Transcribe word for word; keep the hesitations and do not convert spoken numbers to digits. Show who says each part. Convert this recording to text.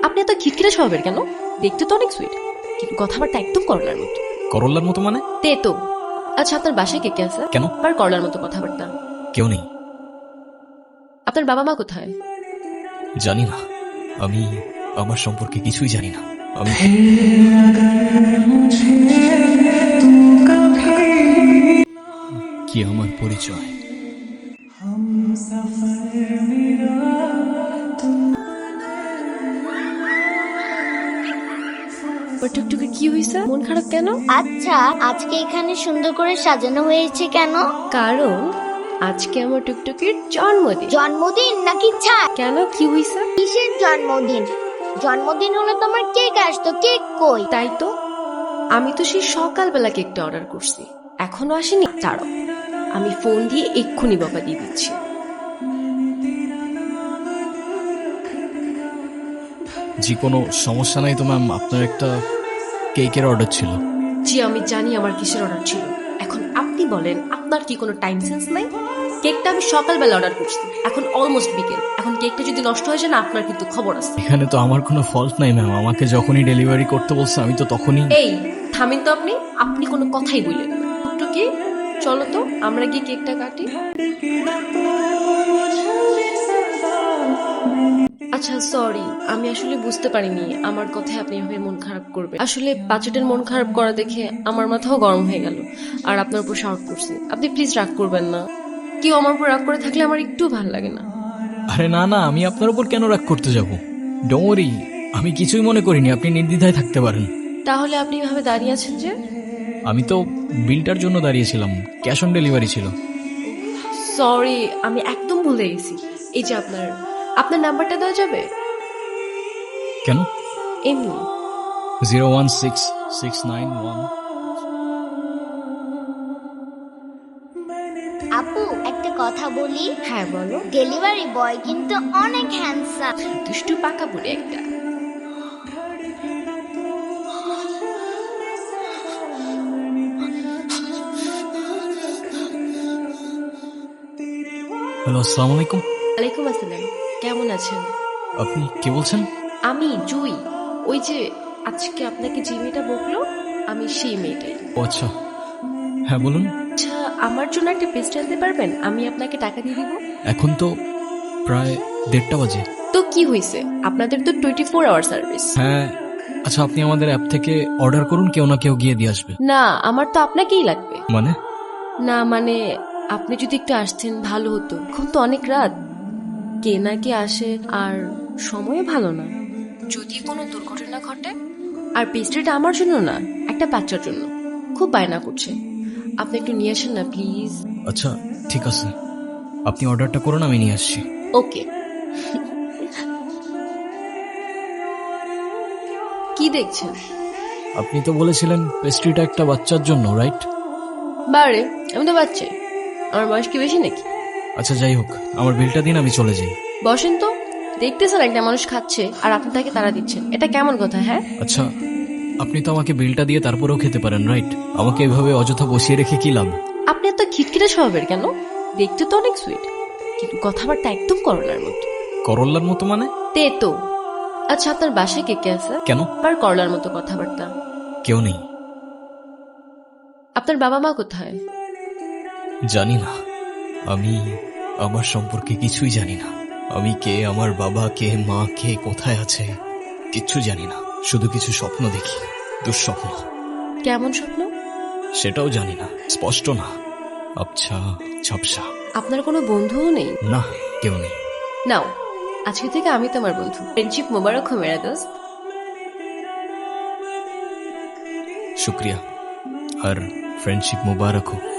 Speaker 1: আপনি এত খিটখিটে স্বভাবের কেন? দেখতে তো অনেক সুইট, কিন্তু কথাবার্তা একদম করলার মতো।
Speaker 2: করল্লার মতো মানে?
Speaker 1: তে তো আচ্ছা, আপনার বাসায় কে কে আছে?
Speaker 2: কেন?
Speaker 1: আবার করলার মতো কথাবার্তা।
Speaker 2: কেউ নেই।
Speaker 1: আপনার বাবা মা কোথায়?
Speaker 2: জানি না, আমি আমার সম্পর্কে কিছুই জানি না। আমি কি আমার পরিচয়?
Speaker 1: ওর টুকটুকে কি হয়েছে? মন খারাপ কেন?
Speaker 3: আচ্ছা, আজকে এখানে সুন্দর করে সাজানো হয়েছে কেন?
Speaker 1: কারণ আজকে আমার টুকটুকির জন্মদিন।
Speaker 3: জন্মদিন নাকি ছাড়?
Speaker 1: কেন, কি হয়েছে?
Speaker 3: কিসের জন্মদিন? জন্মদিন হলে তোমার কেক আসতো, কেক কই?
Speaker 1: তাই তো, আমি তো সেই সকালবেলা কেকটা অর্ডার করছি, এখনো আসেনি। ছাড়ো, আমি ফোন দিয়ে এক্ষুনি বকা দিয়ে দিচ্ছি।
Speaker 2: জি, কোনো সমস্যা নাই তো ম্যাম। আপনার একটা কেকের অর্ডার ছিল।
Speaker 1: জি, আমি জানি আমার কিসের অর্ডার ছিল। এখন আপনি বলেন, আপনার কি কোনো টাইম সেন্স নাই? কেকটা আমি সকালবেলা অর্ডার করছি, এখন অলমোস্ট বিকেল। এখন কেকটা যদি নষ্ট হয়ে যায় না, আপনার কিন্তু খবর আছে।
Speaker 2: এখানে তো আমার কোনো ফল্ট নাই ম্যাম। আমাকে যখনই ডেলিভারি করতে বলছে আমি তো তখনই।
Speaker 1: এই থামেন তো আপনি, আপনি কোনো কথাই বললেন না। একটু কি, চলো তো আমরা গিয়ে কেকটা কাটি। আচ্ছা সরি, আমি আসলে বুঝতে পারিনি আমার কথায় আপনি এভাবে মন খারাপ করবে। আসলে বাচ্চাটার মন খারাপ করা দেখে আমার মাথাও গরম হয়ে গেল, আর আপনার উপর শাউট করছি। আপনি প্লিজ রাগ করবেন না। কেউ আমার উপর রাগ করে থাকলে আমার একটু ভালো লাগে না।
Speaker 2: আরে না না, আমি আপনার উপর কেন রাগ করতে যাব? ডোন্ট ওয়ারি, আমি কিছুই মনে করিনি। আপনি নির্দ্বিধায় থাকতে পারেন।
Speaker 1: তাহলে আপনি এভাবে দাঁড়িয়ে আছেন যে?
Speaker 2: আমি তো বিলটার জন্য দাঁড়িয়েছিলাম, ক্যাশ অন ডেলিভারি ছিল।
Speaker 1: সরি, আমি একদম ভুলে গেছি। এই যে আপনার আপনার নাম্বারটা দেওয়া যাবে?
Speaker 2: কেন?
Speaker 1: এমনি।
Speaker 2: Zero one six six nine one.
Speaker 3: আপু, একটা কথা বলি।
Speaker 1: হ্যাঁ বলো।
Speaker 3: ডেলিভারি বয় কিন্তু অনেক হ্যান্ডসাম।
Speaker 1: দুষ্টু পাকা বুড়ি একটা।
Speaker 2: হ্যালো, আসসালামু আলাইকুম।
Speaker 1: ওয়ালাইকুম আসসালাম, কেমন আছেন?
Speaker 2: আপনি কে বলছেন?
Speaker 1: আমি জুই, ওই যে আজকে আপনাকে যে মেয়েটা বকলো, আমি সেই মেয়েটাই।
Speaker 2: ও আচ্ছা, হ্যাঁ বলুন।
Speaker 1: আচ্ছা, আমার জন্য একটা পেস্ট আনতে পারবেন? আমি আপনাকে টাকা দিয়ে দিব।
Speaker 2: এখন তো প্রায় দেড়টা বাজে।
Speaker 1: তো কি হয়েছে, আপনাদের তো টোয়েন্টি ফোর আওয়ার সার্ভিস।
Speaker 2: হ্যাঁ, আচ্ছা আপনি আমাদের অ্যাপ থেকে অর্ডার করুন, কেউ না কেউ গিয়ে দিয়ে আসবে।
Speaker 1: না, আমার তো আপনাকেই লাগবে।
Speaker 2: মানে?
Speaker 1: না মানে, আপনি যদি একটু আসতেন ভালো হতো। এখন তো অনেক রাত, কে না কে আসে, আর সময় ভালো না। যদি কোনো দুর্ঘটনা ঘটে। আর পেস্ট্রিটা আমার জন্য না, একটা বাচ্চার জন্য। খুব বায়না করছে, আপনি একটু নিয়ে আসেন না প্লিজ।
Speaker 2: আচ্ছা ঠিক আছে, আপনি অর্ডারটা করুন, আমি নিয়ে আসছি।
Speaker 1: ওকে। কি দেখছেন?
Speaker 2: আপনি তো বলেছিলেন পেস্ট্রিটা একটা বাচ্চার জন্য, রাইট?
Speaker 1: বারে, আমি তো বাচ্চাই, আমার বয়স কি বেশি নাকি?
Speaker 2: আচ্ছা যাই হোক, আমার বিলটা দিন, আমি চলে যাই।
Speaker 1: বসেন তো, দেখতেছেন একটা মানুষ খাচ্ছে আর আপনি তাকে তাড়া দিচ্ছেন, এটা কেমন কথা? হ্যাঁ,
Speaker 2: আচ্ছা, আপনি তো আমাকে বিলটা দিয়ে তারপরেও খেতে পারেন, রাইট? আমাকে এভাবে অযথা বসিয়ে রেখে কি লাভ?
Speaker 1: আপনি এত খিটখিটে স্বভাবের কেন? দেখতে তো অনেক সুইট, কিন্তু কথাবার্তা একদম করলার মতো।
Speaker 2: করল্লার মতো মানে?
Speaker 1: তে তো আচ্ছা, আপনার বাসায় কে কে আছে?
Speaker 2: কেন?
Speaker 1: আর করলার মতো কথাবার্তা।
Speaker 2: কেউ নেই।
Speaker 1: আপনার বাবা মা কোথায়?
Speaker 2: জানি না, আমি আমার সম্পর্কে কিছুই জানি না। আমি কে, আমার বাবা কে, মা কে, কোথায় আছে, কিচ্ছু জানি না। শুধু কিছু স্বপ্ন দেখি, দুঃস্বপ্ন।
Speaker 1: কেমন স্বপ্ন?
Speaker 2: সেটাও জানি না, স্পষ্ট না, আবছা ঝাপসা।
Speaker 1: আপনার কোনো বন্ধুও নেই?
Speaker 2: না, কেউ নেই।
Speaker 1: নাও, আজকে থেকে আমি তোমার বন্ধু। ফ্রেন্ডশিপ মোবারক হো মেরা দোস্ত।
Speaker 2: শুক্রিয়া, আর ফ্রেন্ডশিপ মুবারক হোক।